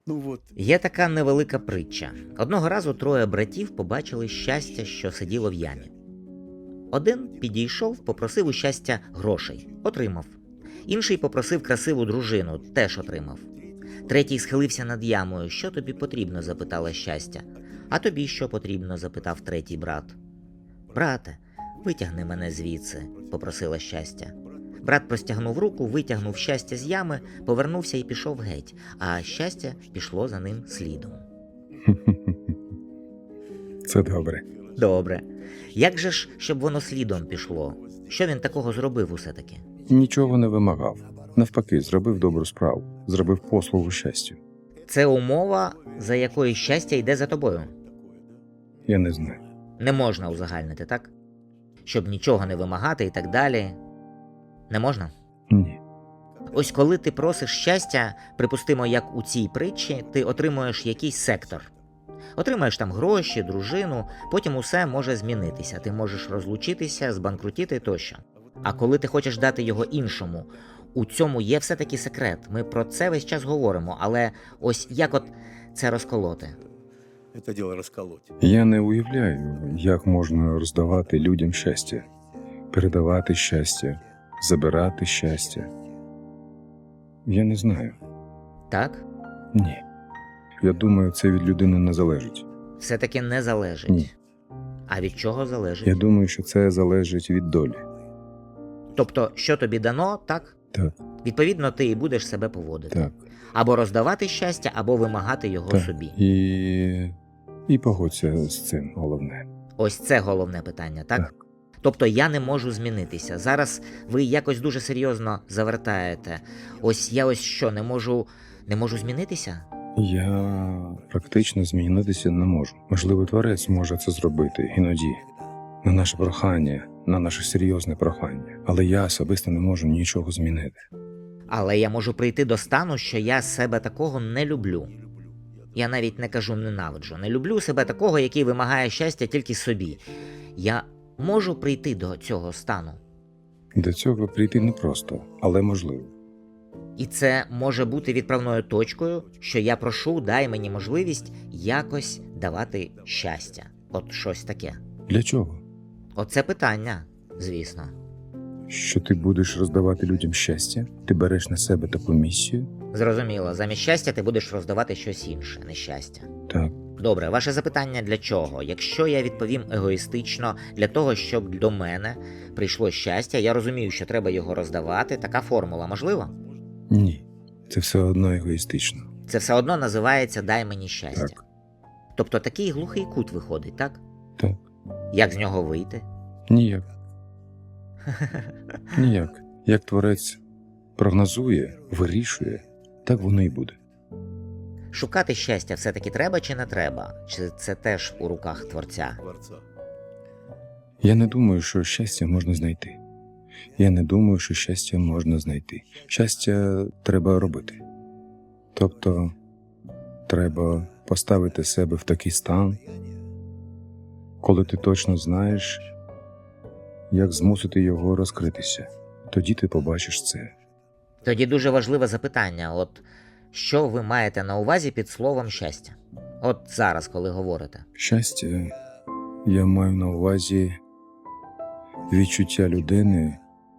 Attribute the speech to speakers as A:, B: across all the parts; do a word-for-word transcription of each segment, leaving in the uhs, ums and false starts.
A: Є така невелика притча. Одного разу троє братів побачили щастя, що сиділо в ямі. Один підійшов, попросив у щастя грошей. Отримав. Інший попросив красиву дружину. Теж отримав. Третій схилився над ямою. Що тобі потрібно? Запитала щастя. А тобі що потрібно? Запитав третій брат. Брате, витягни мене звідси, попросила щастя. Брат простягнув руку, витягнув щастя з ями, повернувся і пішов геть, а щастя пішло за ним слідом.
B: Це добре.
A: Добре. Як же ж, щоб воно слідом пішло? Що він такого зробив усе-таки?
B: Нічого не вимагав. Навпаки, зробив добру справу. Зробив послугу щастю.
A: Це умова, за якою щастя йде за тобою.
B: Я не знаю.
A: Не можна узагальнити, так? Щоб нічого не вимагати і так далі. Не можна?
B: Ні.
A: Ось коли ти просиш щастя, припустимо, як у цій притчі, ти отримуєш якийсь сектор. Отримаєш там гроші, дружину, потім усе може змінитися. Ти можеш розлучитися, збанкрутіти тощо. А коли ти хочеш дати його іншому, у цьому є все-таки секрет. Ми про це весь час говоримо, але ось як от це розколоти?
C: Это дело расколоть.
B: Я не уявляю, як можна роздавати людям щастя, передавати щастя, забирати щастя. Я не знаю.
A: Так?
B: Ні. Я думаю, це від людини не залежить.
A: Все-таки не залежить.
B: Ні.
A: А від чого залежить?
B: Я думаю, що це залежить від долі.
A: Тобто, що тобі дано, так?
B: Так,
A: Відповідно, ти і будеш себе поводити.
B: так,
A: Або роздавати щастя, або вимагати його
B: так.
A: собі.
B: І... І погодься з цим, головне.
A: Ось це головне питання, так?
B: Так.
A: Тобто я не можу змінитися. Зараз ви якось дуже серйозно завертаєте. Ось я ось що, не можу, не можу змінитися?
B: Я практично змінитися не можу. Можливо, творець може це зробити іноді. На наше прохання, на наше серйозне прохання. Але я особисто не можу нічого змінити.
A: Але я можу прийти до стану, що я себе такого не люблю. Я навіть не кажу ненавиджу. Не люблю себе такого, який вимагає щастя тільки собі. Я можу прийти до цього стану.
B: До цього прийти непросто, але можливо.
A: І це може бути відправною точкою, що я прошу, дай мені можливість якось давати щастя. От щось таке.
B: Для чого?
A: Оце питання, звісно.
B: Що ти будеш роздавати людям щастя? Ти береш на себе таку місію?
A: Зрозуміло, замість щастя ти будеш роздавати щось інше, нещастя.
B: Так.
A: Добре, ваше запитання для чого? Якщо я відповім егоїстично, для того, щоб до мене прийшло щастя, я розумію, що треба його роздавати, така формула можлива?
B: Ні. Це все одно егоїстично.
A: Це все одно називається «дай мені щастя».
B: Так.
A: Тобто такий глухий кут виходить, так?
B: Так.
A: Як з нього вийти?
B: Ніяк. Ніяк. Як творець прогнозує, вирішує, так воно і буде.
A: Шукати щастя все-таки треба чи не треба? Чи це теж у руках Творця?
C: Творца.
B: Я не думаю, що щастя можна знайти. Я не думаю, що щастя можна знайти. Щастя треба робити. Тобто, треба поставити себе в такий стан, коли ти точно знаєш, як змусити його розкритися. Тоді ти побачиш це.
A: Тоді дуже важливе запитання. От що ви маєте на увазі під словом щастя? От зараз, коли говорите.
B: Щастя, я маю на увазі відчуття людини,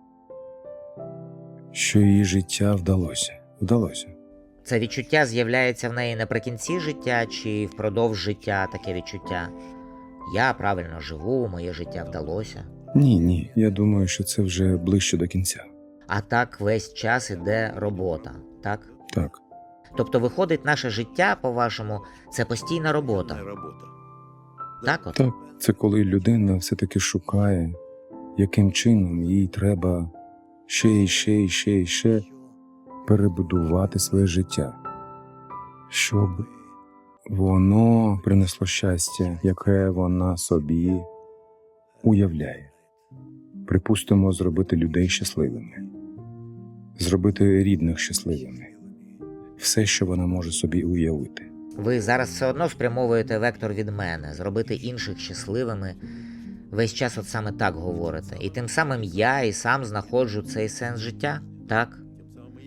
B: що її життя вдалося. Вдалося.
A: Це відчуття з'являється в неї наприкінці життя чи впродовж життя таке відчуття? Я правильно живу, моє життя вдалося.
B: Ні, ні, я думаю, що це вже ближче до кінця.
A: А так весь час іде робота, так?
B: Так,
A: Тобто виходить, наше життя, по-вашому, це постійна робота.
C: Творческая работа.
A: Так от?
B: так, це коли людина все-таки шукає, яким чином їй треба ще і ще і ще і ще перебудувати своє життя, щоб воно принесло щастя, яке вона собі уявляє. Припустимо, зробити людей щасливими, зробити рідних щасливими. Все, що вона може собі уявити.
A: Ви зараз все одно спрямовуєте вектор від мене, зробити інших щасливими. Весь час от саме так говорите. І тим самим я і сам знаходжу цей сенс життя, так?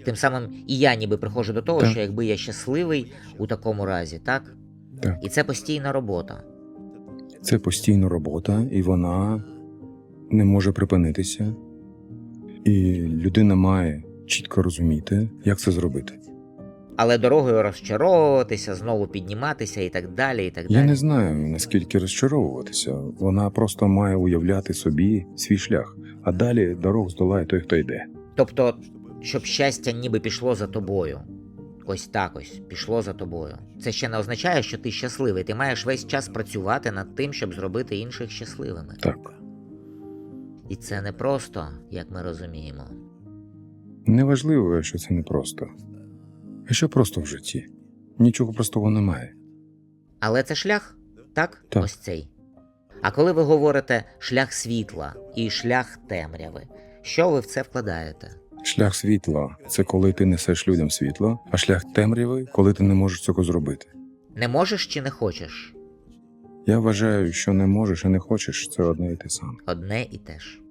A: Тим самим і я ніби приходжу до того,
B: Так.
A: що якби я щасливий у такому разі, так?
B: Так.
A: І це постійна робота.
B: Це постійна робота, і вона не може припинитися. І людина має чітко розуміти, як це зробити.
A: Але дорогою розчаровуватися, знову підніматися і так далі, і так
B: Я
A: далі.
B: не знаю, наскільки розчаровуватися. Вона просто має уявляти собі свій шлях, а далі дорогу здолає той, хто йде.
A: Тобто, щоб щастя ніби пішло за тобою. Ось так ось, пішло за тобою. Це ще не означає, що ти щасливий. Ти маєш весь час працювати над тим, щоб зробити інших щасливими.
B: Так.
A: І це не просто, як ми розуміємо.
B: Неважливо, що це непросто. А що просто в житті? Нічого простого немає.
A: Але це шлях, так?
B: Так.
A: Ось цей. А коли ви говорите шлях світла і шлях темряви, що ви в це вкладаєте?
B: Шлях світла – це коли ти несеш людям світло, а шлях темряви – коли ти не можеш цього зробити.
A: Не можеш чи не хочеш?
B: Я вважаю, що не можеш і не хочеш – це одне і те саме.
A: Одне і те ж.